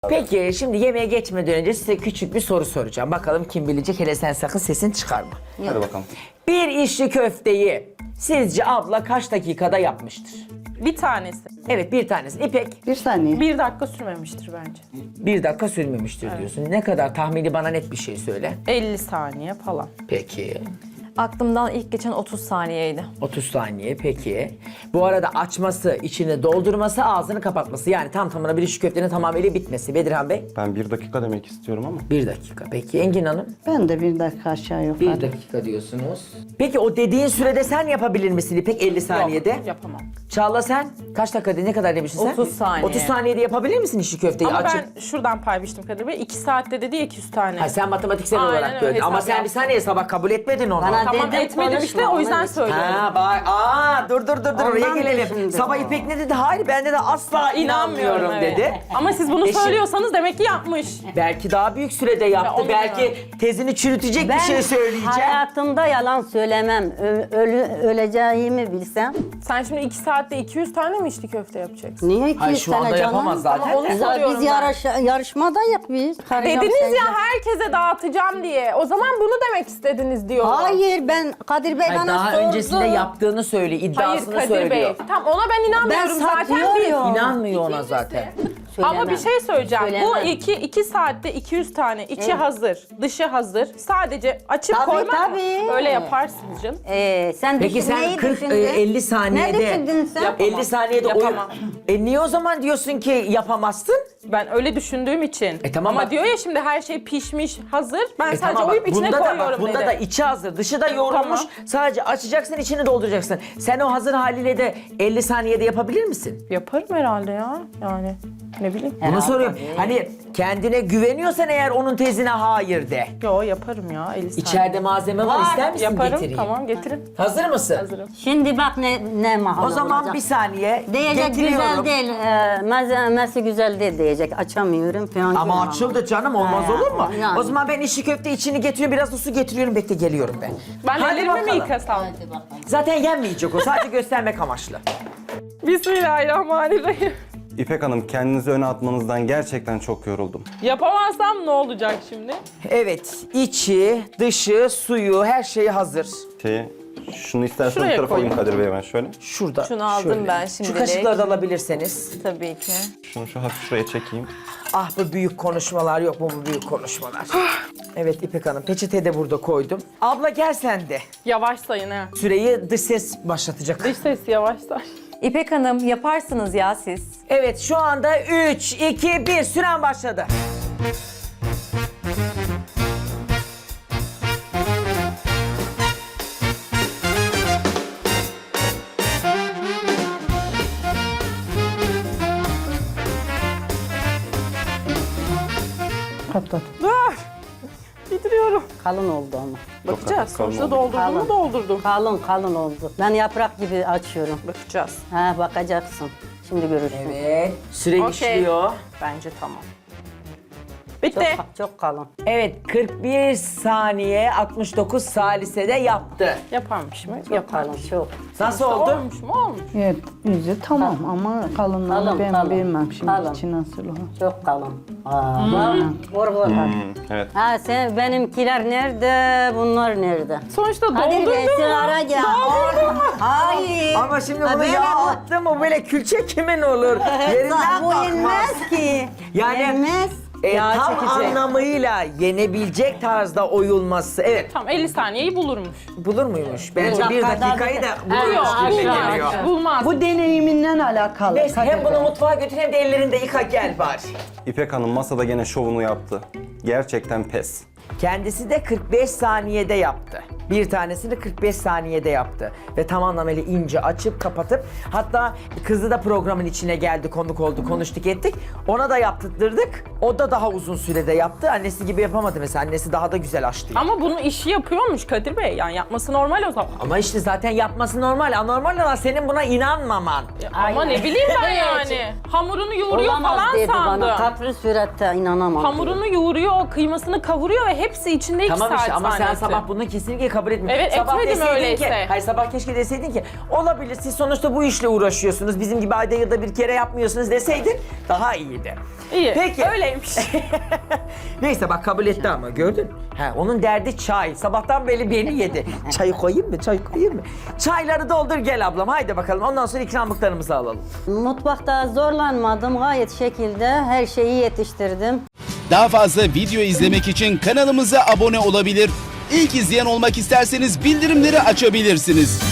Peki şimdi yemeğe geçmeden önce size küçük bir soru soracağım. Bakalım kim bilecek, hele sen sakın sesini çıkarma. Hadi bakalım. Bir içli köfteyi sizce abla kaç dakikada yapmıştır? Bir tanesi. Evet, bir tanesi. İpek, Bir saniye. 1 dakika sürmemiştir bence. 1 dakika sürmemiştir diyorsun. Ne kadar tahmini, bana net bir şey söyle. 50 saniye falan. Peki. Aklımdan ilk geçen 30 saniyeydi. 30 saniye peki. Bu arada açması, içini doldurması, ağzını kapatması. Yani tam tamına bir içli köftenin tamamıyla bitmesi. Bedirhan Bey? Ben 1 dakika demek istiyorum ama. 1 dakika. Peki Engin Hanım? Ben de bir dakika aşağı yukarı. 1 dakika diyorsunuz. Peki o dediğin sürede sen yapabilir misin İpek 50 saniyede? Yok, yapamam. Çağla sen kaç dakikada, ne kadar demiştin sen? 30 saniye. 30 saniyede yapabilir misin içli köfteyi Ama açıp? ben şuradan pay biçtim Kadir Bey. 2 saatte dedi ya 200 tane. Ha, sen matematiksel Aynen olarak öyle, gördün. hesap Ama sen bir yaptım. saniye sabah kabul etmedin onu. Bana Tamam dedim, etmedim işte, o yüzden söylüyorum. Ha bak, dur oraya Ondan gelelim. düşündüm. Sabah İpek ne dedi? Hayır, ben de asla inanmıyorum evet. dedi. Ama siz bunu Eşim- söylüyorsanız demek ki yapmış. Belki daha büyük sürede yaptı. onu Belki tezini çürütecek bir şey söyleyeceğim. hayatımda yalan söylemem. Öleceğimi bilsem. Sen şimdi 2 saatte 200 tane mi içli köfte yapacaksın? Niye 200 Hayır, şu anda tane canım? yapamaz zaten. Ama onu de. soruyorum Biz ben. yarışmadayız biz. Karışacağım Dediniz sence. ya herkese dağıtacağım diye. O zaman bunu demek istediniz diyorlar. Hayır, ben Kadir Bey Hayır, bana daha sordu. öncesinde yaptığını söyle, Hayır iddiasını Kadir söylüyor. Bey. Tamam, ona ben inanmıyorum Ben zaten. satıyorum. İnanmıyor ona zaten. Ama bir şey söyleyeceğim. Söylemem. Bu 2 saatte 200 tane, içi hazır, dışı hazır. Sadece açıp Tabii, koymak mı? tabii. Öyle yaparsınız canım. Sen Peki sen neyi 40 düşündün? 50 saniyede Ne düşündün sen? 50 saniyede Yapamam. Niye o zaman diyorsun ki yapamazsın? Ben öyle düşündüğüm için. Tamam Ama bak- diyor ya şimdi her şey pişmiş, hazır. Ben sadece Tamam bak, oyup içine bunda da koyuyorum bak, bunda dedi. da içi hazır, dışı da yoğrulmuş. Tamam. Sadece açacaksın, içini dolduracaksın. Sen o hazır haliyle de 50 saniyede yapabilir misin? Yaparım herhalde ya. Yani ne bileyim. Bunu soruyorum. Hani kendine güveniyorsan eğer onun tezine hayır de. Yo yaparım ya 50 saniye. İçeride malzeme var, ister misin Yaparım, getireyim? tamam getirin. Hazır mısın? Hazırım. Şimdi bak ne mahal O zaman olacak. bir saniye Diyecek getiriyorum. güzel değil, malzemesi güzel değil diyecek. Açamıyorum falan. Ama diyorum açıldı canım, olmaz Ha, olur mu? yani. O zaman ben içli köfte içini getiriyorum, biraz da su getiriyorum, bekle geliyorum ben. Ben Hadi ellerimi mi bakalım. yıkasam? Zaten yenmeyecek o, sadece göstermek amaçlı. Bismillahirrahmanirrahim. İpek Hanım, kendinizi öne atmanızdan gerçekten çok yoruldum. Yapamazsam ne olacak şimdi? Evet, içi, dışı, suyu, her şeyi hazır. Şunu isterseniz Şuraya bu tarafa alayım koyayım. Kadir Bey, ben şöyle. Şurada. Şunu aldım ben Şu şimdilik. kaşıkları da alabilirseniz. Tabii ki. Şunu şu hafif şuraya çekeyim. Ah, bu büyük konuşmalar yok mu, bu büyük konuşmalar? Evet İpek Hanım, peçete de burada koydum. Abla gel sen de. Yavaş sayın ha. Süreyi dış ses başlatacak. Dış ses yavaş say. İpek Hanım yaparsınız ya siz. Evet, şu anda 3, 2, 1 süren başladı. Patlat. Dur. Bitiriyorum. Kalın oldu ama. Bakacağız. hafif kalın Sonuçta oldu. doldurdum mu doldurdum. Kalın oldu. Ben yaprak gibi açıyorum. Bakacağız. Ha, bakacaksın. Şimdi görürsün. Evet, süre Okey. işliyor. Bence tamam. Çok, Bitti. çok kalın. Evet, 41 saniye 69 salisede yaptı. Yaparmış mı? Çok kalın, çok. Nasıl oldu? Olmuş mu? Olmuş. Evet, yüzü tamam ama kalınlığını Kalın, ben kalın. bilmem şimdi Kalın. içi nasıl o. Çok kalın. Vur. Evet. Ha sen benimkiler nerede, bunlar nerede? Sonuçta Kadir Bey doldurdum sen mu? ara gel. Hayır. Ama şimdi Ha, bunu böyle yağ bu- attım, o böyle külçe kimin olur? Yerinden Bu kalkmaz. yenmez ki. Yani- Yenmez. Yağ Tam çekecek. anlamıyla yenebilecek tarzda oyulması. Evet, Tamam 50 saniyeyi bulurmuş. bulur muymuş? Bence Bulur. bir dakikayı da bulurmuş Yok gibi bulmaz. geliyor. Bulmaz. Bu deneyiminden alakalı. Neyse, Kadir hem bunu Bey. mutfağa götür hem de ellerinde yıka, gel bari. İpek Hanım masada gene şovunu yaptı. Gerçekten pes. Kendisi de 45 saniyede yaptı. Bir tanesini 45 saniyede yaptı. Ve tam anlamıyla ince açıp kapatıp, hatta kızı da programın içine geldi, konuk oldu, konuştuk ettik. Ona da yaptırdık. O da daha uzun sürede yaptı. Annesi gibi yapamadı mesela. Annesi daha da güzel açtı. Ama bunu işi yapıyormuş Kadir Bey. Yani yapması normal o zaman. Ama işte zaten yapması normal. Anormal olan senin buna inanmaman. Ama ne bileyim ben yani. Hamurunu yoğuruyor Olamaz falan dedi sandım. bana. Kapri surette inanamam. Hamurunu yoğuruyor, kıymasını kavuruyor ve hepsi içinde 2 Tamam saat işte, ama sen zannettim. sabah bunu kesinlikle kabul etmiyorum. Evet, etmedim deseydin öyleyse. Ki, hayır sabah keşke deseydin ki olabilir siz sonuçta bu işle uğraşıyorsunuz. Bizim gibi ayda yılda bir kere yapmıyorsunuz deseydin daha iyiydi. İyi. Peki. Öyleymiş. Neyse bak kabul etti ama gördün. Ha, onun derdi çay. Sabahtan beri beni yedi. Çayı koyayım mı? Çay koyayım mı? Çayları doldur gel ablam. Haydi bakalım. Ondan sonra ikramlıklarımızı alalım. Mutfakta zorlanmadım. Gayet şekilde her şeyi yetiştirdim. Daha fazla video izlemek için kanalımıza abone olabilir. İlk izleyen olmak isterseniz bildirimleri açabilirsiniz.